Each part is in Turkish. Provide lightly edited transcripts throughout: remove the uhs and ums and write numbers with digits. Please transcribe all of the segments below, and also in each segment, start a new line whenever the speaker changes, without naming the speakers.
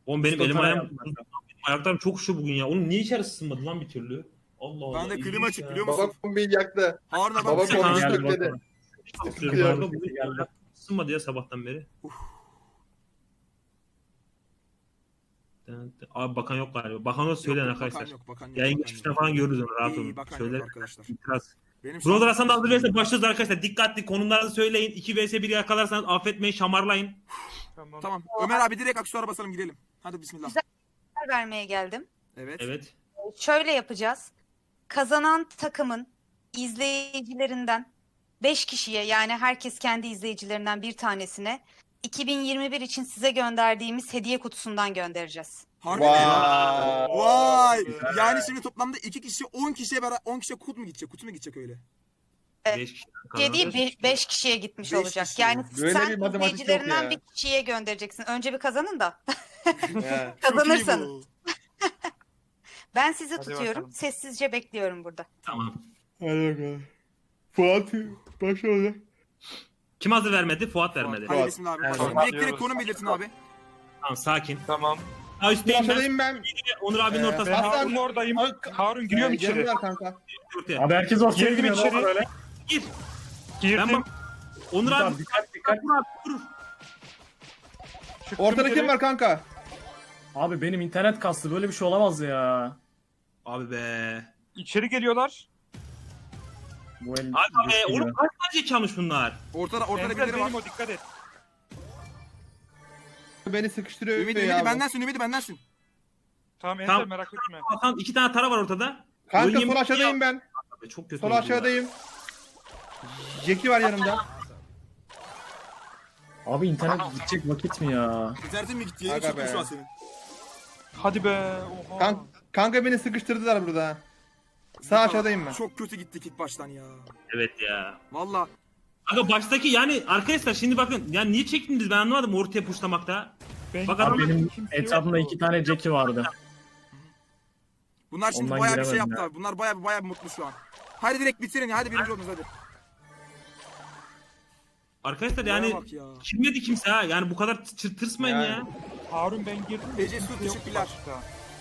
Oğlum benim elim
Stokara
ayağım,
yapmak.
benim ayaklarım çok üşüyor bugün ya. Oğlum niye içeri ısınmadı lan bir türlü? Allah Allah.
Ben de klima
ilginç
açık
ya.
biliyor musun?
Babam beni yaktı.
Harun abi
Baba
bak.
Tamam.
konuştuk
Geldi
dedi.
bakalım.
Isınıyorum
Yok.
kanka, bugün ayaklarım ısınmadı ya sabahtan beri. Abi bakan yok galiba. Bakan olsa söyleyin arkadaşlar.
Bakan yok, bakan yok.
Yayın
bakan
geçmişten
yok.
falan görürüz onu, rahat
İyi,
olun.
bakan
Söyler.
yok arkadaşlar.
İtiraz.
Benim şu
Brother
an-
Hasan da hazırlayırsa başlıyoruz arkadaşlar. Dikkatli konumlarınızı söyleyin. 2 vs 1 yakalarsanız affetmeyin, şamarlayın.
Tamam. Ömer abi direkt aksesuara basalım gidelim. Hadi bismillah.
Güzel. Vermeye geldim.
Evet.
Evet.
Şöyle yapacağız. Kazanan takımın izleyicilerinden 5 kişiye, yani herkes kendi izleyicilerinden bir tanesine 2021 için size gönderdiğimiz hediye kutusundan göndereceğiz.
Harbi mi?
Vay.
Vay. Yani şimdi toplamda 2 kişi 10 kişiye 10 kişiye kut mu gidecek? Kutu mu gidecek öyle?
5 kişi.
Hediye 5 kişiye gitmiş
Beş
olacak.
kişi.
Yani
Böyle bir
sen
matematik yok
izleyicilerinden
ya.
bir kişiye göndereceksin. Önce bir kazanın da
He.
kazanırsanız.
Çok iyi
Ben sizi
Hadi
tutuyorum.
bakalım.
Sessizce bekliyorum burada.
Tamam.
Hadi bakalım. Fuat başla olacak.
Kim hazır vermedi? Fuat
bu.
vermedi.
Hadi
Fuat.
bismillah abi.
Evet.
Başlayalım.
Başlıyoruz.
Direkt direkt konum belirtin abi.
Tamam, sakin.
Tamam.
Ha, üstteyim ben.
Aşağıdayım ben.
Onur abinin
Ee,
ortasında.
Ben
Hasan-
Harun'un oradayım. Harun giriyor mu içeri?
Yanımda kanka.
Ortaya.
Abi herkes ortaya
Girdim
giriyor.
içeri.
Nasıl öyle?
Gir.
Girdim.
Ben bak. Onur abi.
Tamam, dikkat dikkat.
Vur abi, vur.
Çıktım
Ortada
içeri.
kim var kanka?
Abi benim internet kastı, böyle bir şey olamaz ya.
Abi be.
İçeri geliyorlar.
Bu el
Abi
düştü
oğlum
gibi.
kaç tane çalmış bunlar?
Ortada
Enzel
birileri var.
benim o, dikkat et.
Beni sıkıştırıyor
Ümidi
ya.
Ümidi
bu.
bendensin Ümidi bendensin.
Tamam Enzel
Tamam.
merak etme.
Hasan 2 tane tara var ortada.
Kanka
Oynayayım
sol
mı?
aşağıdayım ben.
Abi, çok kötü
Sol
oldu ya.
aşağıdayım. Jackie var yanımda.
Abi internet gidecek vakit mi ya?
İnternetin mi gitti? Yeni
Aga
çıktım
be.
şu an senin.
Hadi be. Oha.
Kanka beni sıkıştırdılar burada. Sağ aşağıdayım ben.
Çok kötü gittik ilk baştan ya.
Evet ya.
Valla.
Aga baştaki yani arkadaşlar şimdi bakın yani niye çektiniz ben anlamadım ortaya puşlamakta.
Ben-
Bak
Abi
adam
benim
Kimse
etrafımda
yoktu.
2 tane Jackie vardı.
Bunlar şimdi
Ondan
bayağı bir şey
giremedim
yaptılar.
ya.
Bunlar bayağı mutlu şu an. Hadi direkt bitirin ya. Hadi birinci oldunuz hadi.
arkadaşlar
Bana
yani
bak ya.
kimledi kimse ha yani bu kadar tırsmayın
Yani.
ya.
Harun ben girdim.
Ece Su,
Kimse yok
teşekkürler.
başta.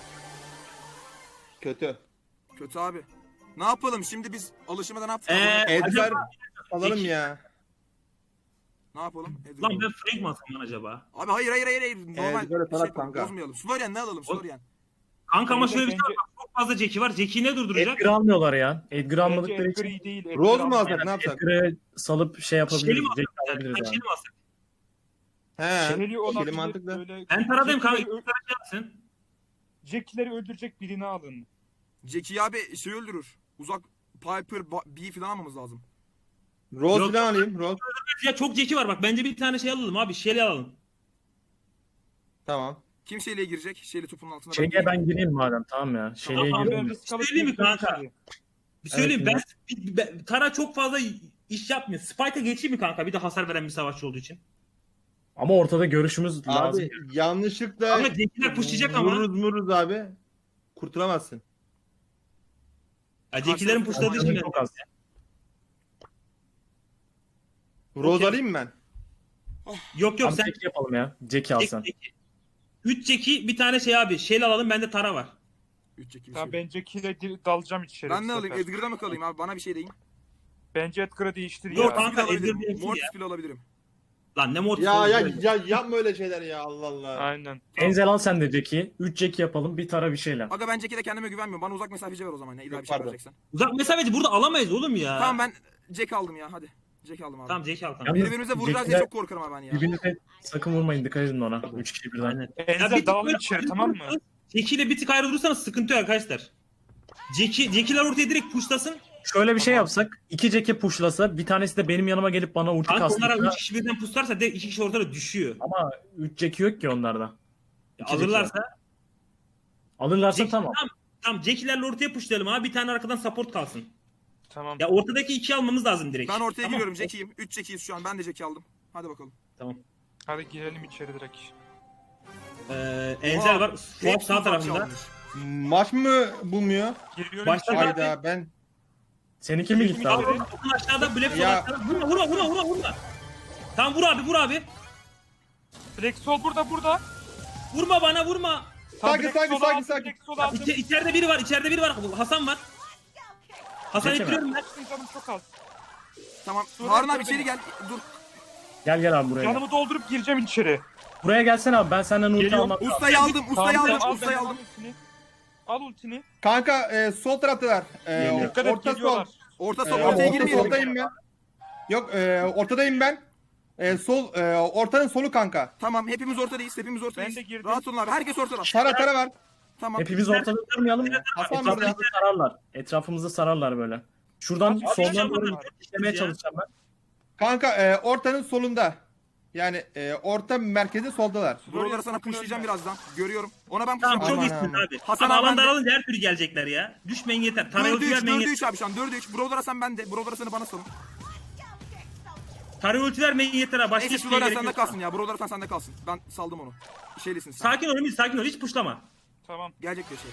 Kötü.
Kötü abi. Ne yapalım şimdi biz alışmadan ne yaptık?
Edgar
acaba-
alalım ya.
Ne yapalım? Edgar.
Lan ben Frank mi alsam lan acaba?
Abi hayır. Normal
Edgar'ı
bir şey
falan
yapalım.
kanka.
Bozmayalım. Florian ne alalım Florian?
Kanka ama
Bence-
şöyle bir şey var bak, çok fazla Jackie var. Jackie ne durduracak?
Edgar almıyorlar ya. Edgar
Bence
almadıkları
Edgar
için
iyi değil. Edgar
Rose mu
almayalım.
alsak ne yapsak?
Edgar'ı salıp şey
Şeli
yapabiliriz.
mi
Jackie
alsak?
alabiliriz
Şeli
abi.
mi alsak?
He.
Şeli olabilir,
Şeli mantıklı.
böyle-
Ben taradayım kanka.
Jackie'leri
İki tane şey yapsın.
Jackie'leri öldürecek birini alın.
Jackie abi şey öldürür. Uzak Piper, B falan almamız lazım.
Rose
Yok.
falan alayım. Rose.
Ya çok Jackie var bak bence bir tane şey alalım abi. Şeli alalım.
Tamam.
Kim şeyle girecek? Şeyle topunun altına.
Şey'e ben gireyim madem, tamam ya. Şey'e
Tamam,
gireyim
Ben
mi?
risk alıp
Söyleyeyim mi
gireceğim
kanka?
içeri.
Bir söyleyeyim
Evet,
Tara çok fazla iş yapmıyor. Spike'a geçeyim mi kanka? Bir de hasar veren bir savaşçı olduğu için.
Ama ortada görüşümüz lazım.
Abi yanlışlıkla
Ama Jackie'ler pushlayacak ama.
vururuz abi. Kurtulamazsın.
Ya Jackie'lerin pushladığı için
Çok az.
Rose
Okey.
alayım mı ben?
Yok
Abi
sen
Jackie yapalım ya. Jackie alsan.
3 Jackie bir tane şey abi. Şeli alalım bende Tara var.
3 Jackie.
Tamam ben Jackie'yle dalacağım içeri.
Ben
bu
ne alayım?
sefer.
Edgar'da mı kalayım abi? Bana bir şey deyin.
Bence Edgar'ı değiştir
Yok,
ya.
kanka,
Mortis bile
Edgar
alabilirim.
değilsin
Mortis
ya.
bile alabilirim.
Lan ne mortis
Ya
oldu
ya
böyle.
ya yapma öyle şeyler ya Allah Allah.
Aynen.
Enzel al sen de Jackie. 3 Jackie yapalım. Bir tara bir şeyle.
Aga ben Jackie'de kendime güvenmiyorum. Bana uzak mesafeci ver o zaman ya. İlla bir şey
Pardon.
vereceksen.
Uzak mesafeci burada alamayız oğlum ya.
Tamam ben Jack aldım ya hadi. Jack aldım abi.
Tamam Jackie al kanka.
Yalnız
Birbirimize vuracağız diye
Jackie'ler-
çok korkarım abi ben ya.
Birbirinize sakın vurmayın, dikkat edin ona. 3 kişi birden.
Aynen.
Enzel dalalım
böyle
içeri
ayrı
tamam mı?
durursanız, Jackie ile bir tık ayrı durursanız sıkıntı yok arkadaşlar. Jackie'ler ortaya direkt pushlasın.
Şöyle bir şey yapsak. 2 Jackie pushlasa, bir tanesi de benim yanıma gelip bana ulti
Kanka onlara
kastırsa.
3 kişi birden pushlarsa direkt 2 kişi ortada düşüyor.
Ama 3 Jackie yok ki onlarda. İki
Alırlarsa.
Alırlarsa
Jackie,
tamam.
Tamam Jackie'lerle ortaya pushlayalım abi. Bir tane arkadan support kalsın.
Tamam.
Ya ortadaki 2'yi almamız lazım direkt.
Ben ortaya
Tamam.
giriyorum Jackie'yim. 3 Jackie'yiz şu an. Ben de Jackie aldım. Hadi bakalım.
Tamam.
Hadi girelim içeri direkt.
Enzel var. Fuat
Hepsi
sağ
uzak
tarafında.
çalmış.
Maç mı bulmuyor?
Giriyorum
Başta
içeri.
Hadi.
Hayda ben.
Seninki mi gitti abi?
Bakın aşağıda Black
Ya.
aşağıda. Vurma. Tamam vur abi.
Black Soul burada.
Vurma bana vurma.
Sakin,
Direkt
sakin,
sola
sakin,
aldım,
sakin.
direkt sola aldım.
İçeride biri var, içeride biri var. Hasan var. Hasan
Çekeme.
ittiriyorum ben.
Canım çok az.
Tamam.
Sonra
Harun abi
sonra
içeri
beni-
gel. Dur.
Gel abi buraya.
Canımı doldurup gireceğim içeri.
Buraya gelsene abi, ben senden ulti
Geliyorum.
almam lazım.
Ustayı aldım. Ustayı
Tamam,
aldım.
al
Ustayı
benden,
aldım.
al ultini. Al ultini.
Kanka sol taraftalar.
Geliyor.
Dikkat et
Orta sol.
geliyorlar.
Orta sol.
Abi
Ortaya
orta
girmeyelim.
soldayım ben. Yok ortadayım ben. Ortanın solu kanka.
Tamam hepimiz ortadayız. Hepimiz ortadayız.
Ben de girdim.
Rahat olun abi. Herkes ortada.
Tara var.
Tamam.
Hepimiz ortada durmayalım mı?
Hasan burada.
Etrafımızı sararlar. Etrafımızı sararlar böyle. Şuradan
Abi,
soldan
yapalım.
doğru işlemeye
Ya.
çalışacağım ben.
Kanka ortanın solunda. Yani orta merkezin soldalar.
Buraları sana pushlayacağım birazdan. Görüyorum. Ona ben
Tamam
pushlayacağım.
çok
Aman,
iyisin
aman.
abi.
Hasan
Ama
abi
alan
ben de-
daralınca her türlü gelecekler ya. Düşmeyin yeter. Tarayı
4'e
ulti
3.
vermeyin
4'e
yeter.
3 abi şu an. 4'e 3. Buralara sen bende. Buralara seni bana salın.
Tarayı ulti vermeyin yeter ha. Başka
Neyse
hiçbir şey
şuralara
gerek
sende
yok.
kalsın ya. Buralara sen sende kalsın. Ben saldım onu. Şeylisin sen.
Sakin ol Ümit, sakin ol. Hiç puşlama.
Tamam.
Gelecek bir şey.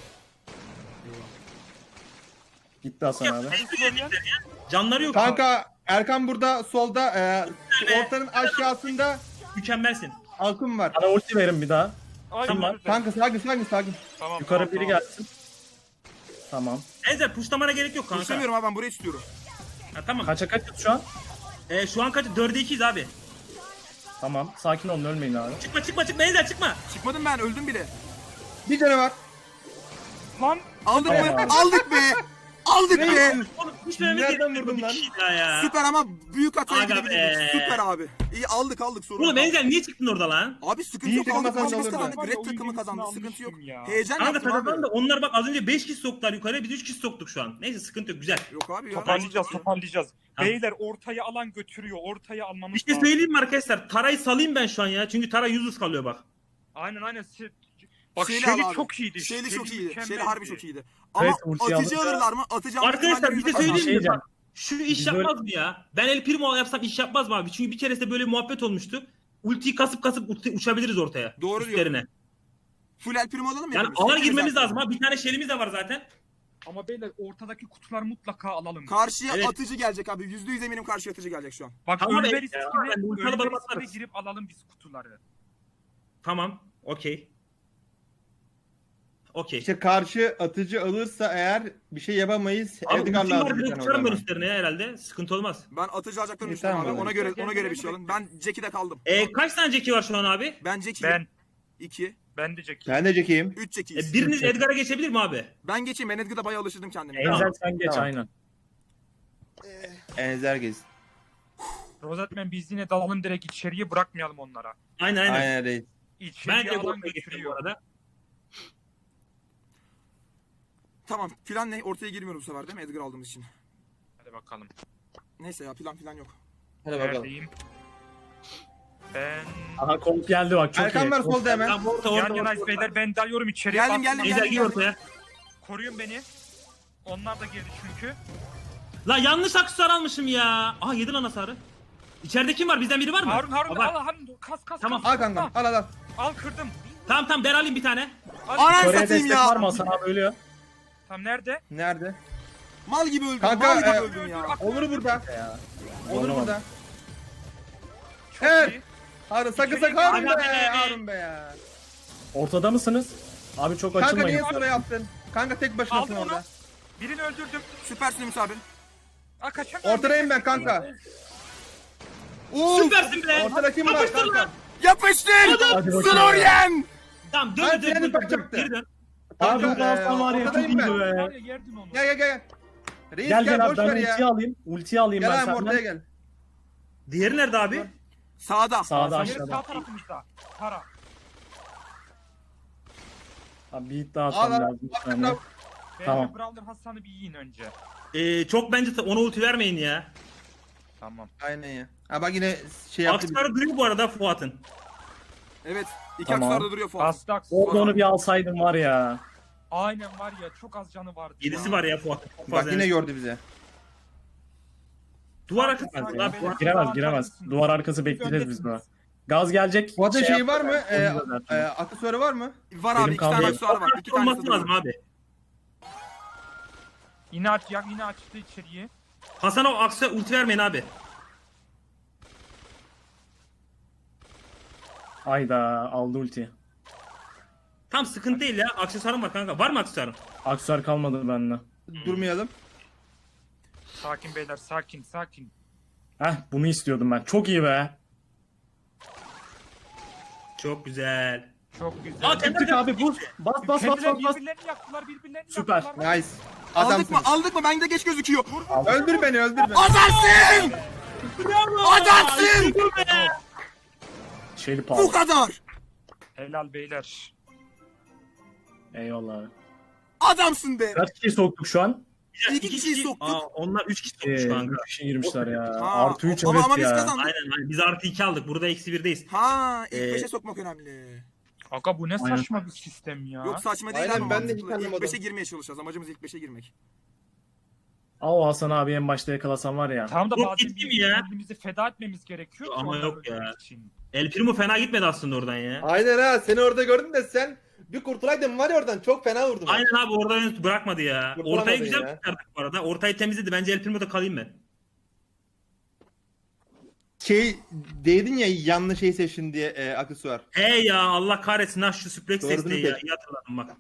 Gitti Hasan abi.
Canları yok.
Kanka Erkan burada solda. Ortanın aşağısında
Mükemmelsin.
Alkım var.
Bana ulti verin bir daha.
Ay,
Tamam.
nerede?
Kanka sakin.
Tamam,
Yukarı
tamam,
biri
tamam.
gelsin. Tamam.
Enzer puşlamana gerek yok kanka.
İstemiyorum abi ben burayı istiyorum.
Ha, tamam.
Kaça kaçız şu an?
Şu an kaç? 4'e 2'yiz abi.
Tamam. Sakin olun, ölmeyin abi.
Çıkma Enzer çıkma.
Çıkmadım ben öldüm bile.
Bir canı var.
Lan
Aldık
Tamam
mı?
abi.
Aldık be. Aldık be.
Oğlum düşmememiz
Nereden
gerekiyor.
vurdun
Bir
lan?
kişi daha ya.
Süper ama büyük hataya
Aga
gidebilirdik.
be.
Süper abi. İyi aldık sorun
Oğlum
yok.
Enzer niye çıktın orada lan?
Abi sıkıntı
İyi
yok
takım
aldık.
kazandı
Maçımız
olurdu.
kazandık.
Var ya,
Red
oyun
takımı
gemisini
kazandı. Sıkıntı yok.
almıştım ya.
Heyecan
Kanka
yaptım
taraftan da
abi.
onlar bak az önce 5 kişi soktular yukarıya, biz 3 kişi soktuk şu an. Neyse sıkıntı yok, güzel.
Yok abi ya.
Toparlayacağız.
Ha.
Beyler ortaya alan götürüyor. Ortaya almamız
Bir şey
lazım.
söyleyeyim mi arkadaşlar? Tarayı salayım ben şu an ya. Çünkü Tara yüzsüz kalıyor bak.
Aynen. Bak
Şeyli
Shelly
al abi.
çok iyiydi.
Şeyli çok iyiydi.
mükemmeldi.
Şeyli harbi çok iyiydi. Ama
Evet, ultiyi
atıcı
aldık.
alırlar mı? Atacağım.
Arkadaşlar bir şey
Bir şey
söyleyeyim mi?
diyeceğim.
Bak, şu iş
Biz
yapmaz mı ya? Ben El Primo yapsam iş yapmaz mı abi? Çünkü bir keresinde böyle muhabbet olmuştu. Ultiyi kasıp uçabiliriz ortaya.
Doğru diyor.
Üstlerine.
Full El Primo alalım mı?
Yani
hepimiz?
alana
Hepimiz
girmemiz
El
lazım
Primo.
ha. Bir tane şelimiz de var zaten.
Ama beyler ortadaki kutular mutlaka alalım.
Karşıya
Evet.
atıcı gelecek abi. %100 eminim karşıya atıcı gelecek şu an.
Bak
Tamam,
ölme
ya,
riskine,
ben ultralı
ölme
balık
riskine
atarız.
girip alalım biz kutuları.
Tamam. Okey. Okey.
İşte karşı atıcı alırsa eğer bir şey yapamayız.
Abi
Edgar
ultim var
lazım bir
direkt
tane o
uçarım ben
zaman.
üstlerine ya herhalde. Sıkıntı olmaz.
Ben atıcı alacaklarını
İyi,
düşünüyorum
tamam
abi.
abi.
Ona göre bir şey alın. Ben Jackie'de kaldım.
Kaç tane Jackie var şu an abi?
Ben Jackie'yim.
Ben
2.
ben de Jackie.
Ben de Jackie'yim.
3 Jackie'yiz.
Biriniz Edgar'a geçebilir mi abi?
Ben geçeyim. Ben Edgar'da bayağı alıştırdım kendimi.
Enzel sen geç
Tamam.
aynen.
Enzer gez.
Rozetmen biz yine dalalım direkt içeriye, bırakmayalım onlara.
Aynen.
Aynen reis.
İçeriye
Ben de bu
alan
geçiyorum bu
götürüyor.
arada.
Tamam. Plan ne? Ortaya girmiyorum bu sefer değil mi? Edgar aldığımız için.
Hadi bakalım.
Neyse ya plan yok.
Hadi bakalım.
Neredeyim? Ben...
Aha komp geldi bak, çok
Erkan
iyi.
var solda hemen.
Tamam orta
Yan
orta.
yanayız
orta.
beyler, ben dalıyorum içeriye.
Geldim,
Bastım.
geldim,
Enzer gir
geldim.
ortaya.
Koruyun beni. Onlar da girdi çünkü.
La yanlış aksesuar almışım ya. Aa yedi lan hasarı. İçeride kim var? Bizden biri var mı?
Harun
Var.
al Harun kas.
Tamam.
Al kankam al.
Al kırdım.
Tamam ben alayım bir tane.
Al.
Anam
Kore'ye
satayım
destek var mı?
ya.
Hasan abi ölüyor.
Tamam nerede?
Nerede?
Mal gibi öldüm.
Kanka,
Mal gibi
e,
öldüm ya.
Onur burada.
Ya.
Onur
Zorlamadım.
burada.
Çok
Evet.
iyi.
Harun sakın
İçeri
Harun
gir.
be.
Abi.
Harun be ya.
Ortada mısınız? Abi çok
Kanka
açılmayın.
niye sonra yaptın? Kanka tek başınasın
Aldım onu.
orada.
Birini öldürdüm.
Süpersin Ümit abi.
Aa kaçamıyorum.
Ortadayım ben kanka.
Oo,
Süpersin be.
Ortada kim var
Yapıştır lan.
kanka?
yapıştır.
Hadi bakayım.
Sloryen.
Tamam
Ben
dön
freni
dön.
takacaktı.
Geri dön.
Abi
Kanka,
bu Hasan var ya, çok
ortadayım
iyi
ben.
be.
Var ya, yerdin onu.
Gel. Reis
Gel
gel
abi
boş
ben
ver
ultiyi
ya.
alayım. Ultiyi alayım
Gel
ben
abi
senden.
ortaya gel.
Diğeri nerede abi?
Sağda.
Sağda
Diğeri
aşağıda.
sağ tarafımızda. Para.
Abi bir hit daha
Al
atsam
al.
lazım. bir
Al,
saniye.
al.
Tamam.
Bence Brawler Hasan'ı bir yiyin önce.
Çok bence ona ulti vermeyin ya.
Tamam.
Aynen ya. Ha bak yine şey yaptı.
Aksesuarı duruyor bu arada Fuat'ın.
Evet. İki
Tamam.
aksar da duruyor Fuat.
Bastak.
Orada onu bir alsaydım var ya.
Aynen var ya, çok az canı vardı.
7'si var ya Fuat'ın. Çok
Bak
fazla
yine
yani.
gördü bize.
Duvar arkası.
Fuat,
Lan
Fuat.
Fuat.
Giremez. Duvar arkası bekleyeceğiz biz buna. Gaz gelecek.
Fuat'ın şeyi
yap-
var mı?
Onu da
Aksesuarı var mı?
Var
Benim
abi. 2 tane
kaldı.
aksar var. 2 tanesi
Olması lazım
duruyor.
abi.
Yine açtı içeriye.
Hasan'a o aksesuar ulti vermeyin abi.
Ayda aldı ulti.
Tam sıkıntı değil ya. Aksesuarım var kanka. Var mı aksesuarın?
Aksesuar kalmadı bende.
Durmayalım.
Sakin beyler, sakin sakin.
Heh bunu istiyordum ben. Çok iyi be.
Çok güzel.
Çok güzel.
Aa,
Tık abi buz. Bas bas bas
Kendileri
bas.
birbirlerini yaktılar, birbirlerini
Süper.
yaktılar.
Nice.
Aldık
Adamsın.
mı? Aldık mı? Bende geç gözüküyor.
Öldür beni öldür beni.
Adamsın! Adamsın!
Şeyli
Bu
pahalı.
kadar.
Helal beyler.
Eyvallah abi.
Adamsın be.
Kaç kişi soktuk şu an?
İki kişiyi soktuk.
Aa, onlar 3 kişi sokmuş kanka.
3 kişi girmişler ya.
Ha,
Artı 3
ama
evet
biz
ya.
kazandık.
Aynen. Biz artı 2 aldık. Burada eksi 1'deyiz.
Ha, ilk
Ee,
5'e sokmak önemli.
Aga bu ne
Aynen.
saçma bir sistem ya.
Yok saçma değil
Aynen,
abi.
ben de hiç
mantıklı. İlk
anlamadım.
5'e girmeye çalışacağız. Amacımız ilk 5'e girmek.
Aa, o Hasan abi en başta yakalasam var ya.
Tamam da
Yok,
bazen
gitti mi ya?
birbirimizi feda etmemiz gerekiyor. ki
Ama
onları
yok ya.
öldürmek için.
El Primo fena gitmedi aslında oradan ya.
Aynen ha, seni orada gördüm de sen bir kurtulaydın var ya oradan, çok fena vurdun.
Aynen abi orada bırakmadı ya.
Kurtulamadın
Ortayı güzel
ya.
kurtardık bu arada. Ortayı temizledi. Bence El Primo'da kalayım ben.
Değdin ya yanlış şey seçtin diye aksesuar.
Hey ya Allah kahretsin ha şu suplex
Doğru
desteği
değil
ya.
mi?
İyi hatırladım bak.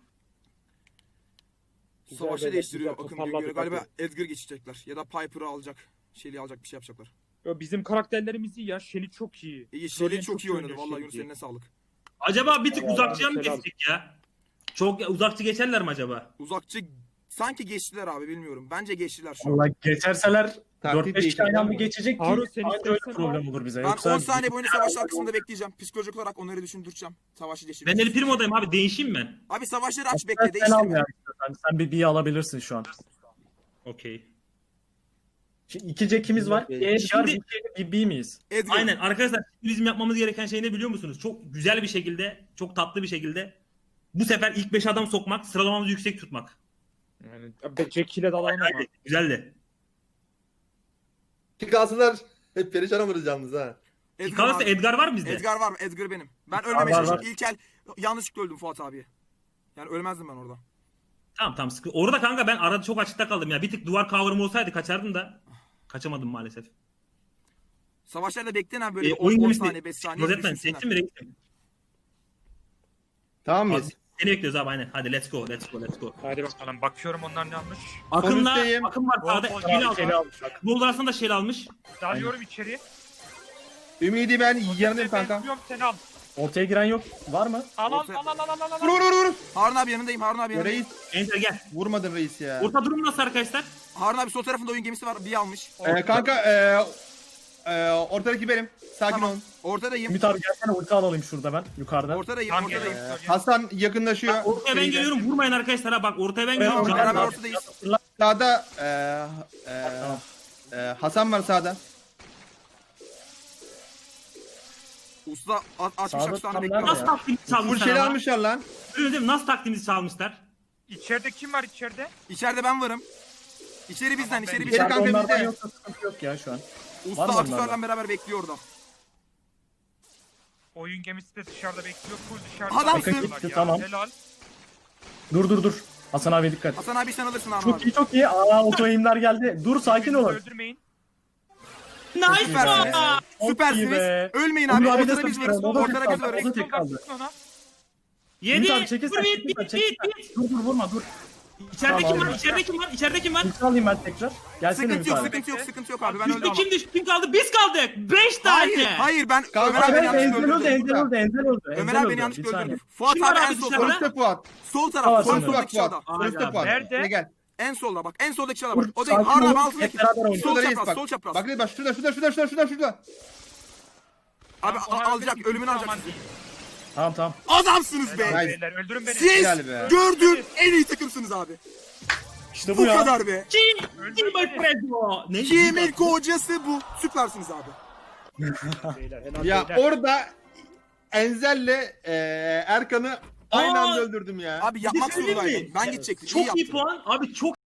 Savaşı
beyler,
değiştiriyor
güzel,
Akın Güngör'e.
toparladık,
Galiba
hadi.
Edgar geçecekler. Ya da Piper'ı alacak. Shelly'i alacak bir şey yapacaklar.
Ya bizim karakterlerimiz iyi ya. Shelly çok iyi.
İyi
Florian
Shelly çok iyi oynadı.
oynuyor
Vallahi
Shelly.
Yunus eline sağlık.
Acaba bir tık
Allah
uzakçıya mı
selam.
geçtik ya? Çok uzakçı geçerler mi acaba?
Uzakçı sanki geçtiler abi bilmiyorum. Bence geçtiler şu an.
Valla geçerseler
Taktik
4-5 kişi aynı anda
değiştirdim.
geçecek ki
Harun, sen
anca öyle
istersen
problem olur bize.
Ben
Yoksa
10 saniye boyunca savaşlar kısmında bekleyeceğim. Psikolojik olarak onları düşündüreceğim. Savaşı
Ben
değiştireceğim.
El Primo'dayım abi değişeyim ben.
Abi savaşları aç
sen,
bekle
sen al
değiştirme.
ya. Sen bir alabilirsin şu an.
Okey.
Şimdi 2 Jack'imiz var.
Şimdi-
Diğer bir B miyiz?
Edgar.
Aynen arkadaşlar bizim yapmamız gereken şey ne biliyor musunuz? Çok güzel bir şekilde, çok tatlı bir şekilde bu sefer ilk 5 adam sokmak, sıralamamızı yüksek tutmak.
Yani Jack ile dalalım ama.
Hadi, güzeldi.
Çıkarsınlar hep perişan oluruz yalnız ha.
Edgar,
Kalırsa
abi.
Edgar var mı bizde?
Edgar var mı? Edgar benim. Ben ölmemeye
var,
çalıştım. İlk el yanlışlıkla öldüm Fuat abiye. Yani ölmezdim ben orada.
Tamam sıkı. Orada kanka ben arada çok açıkta kaldım ya. Bir tık duvar cover'ım olsaydı kaçardım da. Kaçamadım maalesef.
Savaşlarda bekleyin abi böyle
Oyun
10
gemisi.
saniye 5 saniye.
Rozetman
düşünsünler.
seçtin mi reisim?
Tamam mıyız?
Seni bekliyoruz abi aynen. Hadi let's go.
Hadi bakalım. Bakıyorum onlar ne almış.
Akın'la
üstteyim.
Akın var sağda.
Bol bol
Şeli
Şeyli
almış.
almış.
Bol arasında Şeli almış.
Dalıyorum içeri.
Ümidi ben yanındayım
Ben
kanka.
tutuyorum, sen al.
Ortaya giren yok. Var mı?
Al al
Orta-
al al al al.
Vur vur vur vur.
Harun abi yanındayım. Harun abi yanındayım.
Reis
Enter gel.
vurmadın reis ya.
Orta durum nasıl arkadaşlar?
Harun abi sol tarafında oyun gemisi var. Bir almış.
Kanka ortadaki benim. Sakin
Tamam.
olun.
Ortadayım.
Ümit abi gelsene ulti alalım şurada ben yukarıda.
Ortadayım.
Tam
Ortadayım.
geliyorum.
Hasan yakınlaşıyor.
Bak, ortaya ben
Şeyden.
geliyorum. Vurmayın arkadaşlar ha. Bak ortaya ben geliyorum.
ortaya
Beraber
gel.
ortadayız.
Sağda Hasan var sağda.
Usta açmış
Sağda
aksanı
tam
bekliyor.
nerede
Nasıl
ya?
taktiğimizi
Full
çalmışlar
şeyle
ama?
almışlar lan.
Öyle değil mi? Nasıl taktiğimizi çalmışlar?
İçeride kim var içeride?
İçeride ben varım. İçeri bizden,
Tamam,
içeri
ben-
bizden.
İçeri kanka
onlardan
bizde.
yoksa sıkıntı yok ya şu an.
Usta
var mı
aksesuarla
onlardan?
beraber bekliyor orada.
Oyun gemisi de dışarıda bekliyor. Full dışarıda.
Adamsın.
bekliyorlar ya.
Tamam.
Helal.
Dur. Hasan abi dikkat.
Hasan abi sen alırsın Harun
Çok
abi.
iyi çok iyi. Aa oto eğimler geldi. Dur sakin
Birbirinizi
olun.
Öldürmeyin.
Nice
Süpersiniz.
one!
Çok iyi
Süpersiniz.
be.
Ölmeyin
Onur
abi.
abi de
Ortada biz
süper.
varız.
O da
Ortada
tek
biz
kaldı.
varız.
O da tek kaldı.
Tutun ona.
Yedi.
Ümit abi çekil
Vur
sen.
bit
Çekil sen.
bit
Çekil
bit bit.
sen. Dur vurma dur.
İçeride
Tamam,
kim var?
aldım.
İçeride kim var? İçeride kim var?
Ulti alayım ben tekrar. Gelsene
Sıkıntı
Ümit
yok,
abi.
sıkıntı yok, sıkıntı yok abi. Ben öldüm
Düştü
ama.
kim düştü? Kim kaldı? Biz kaldık. 5 tane.
Hayır, hayır ben
Kanka,
Ömer abi
evet,
beni yanlışlıkla
Enzel öldü,
öldürdü.
Enzel öldü.
Ömer
Enzel
abi
öldü.
beni yanlışlıkla
Bir saniye.
öldürdü. Fuat
Kim
abi
var
en
abi
sol
dışarıda?
taraf.
Sonuçta Fuat.
Sol
Tamam,
taraf. Sol
tamam.
soldaki
Fuat.
çalda.
Sonuçta Fuat.
Nerede?
Gel gel.
En solda bak. En soldaki çalda
Dur,
bak. O değil.
sakin
Harun abi
olun.
altındaki.
Hep beraber oynayalım.
Sol
Şurada reis
çapraz.
bak.
Sol çapraz.
Bak reis bak şurada.
Abi
Ona
alacak.
öldürün,
Ölümünü alacak
aman
sizi.
değil.
Tamam.
Adamsınız be.
Helal
Nice.
beyler, öldürün beni.
Siz
Helal be.
gördüğüm en iyi takımsınız abi.
İşte
Bu
bu ya.
kadar be.
Kim my friend o? Ne?
Kimin kocası bu? Süpersiniz abi.
Beyler, helal
Ya
beyler.
orada Enzel'le Erkan'ı aynı
Aa!
anda öldürdüm ya.
Abi yapmak
Bir şey söyleyeyim mi?
zorundaydım. Ben gidecektim. İyi
Çok iyi
yaptın.
puan. Abi çok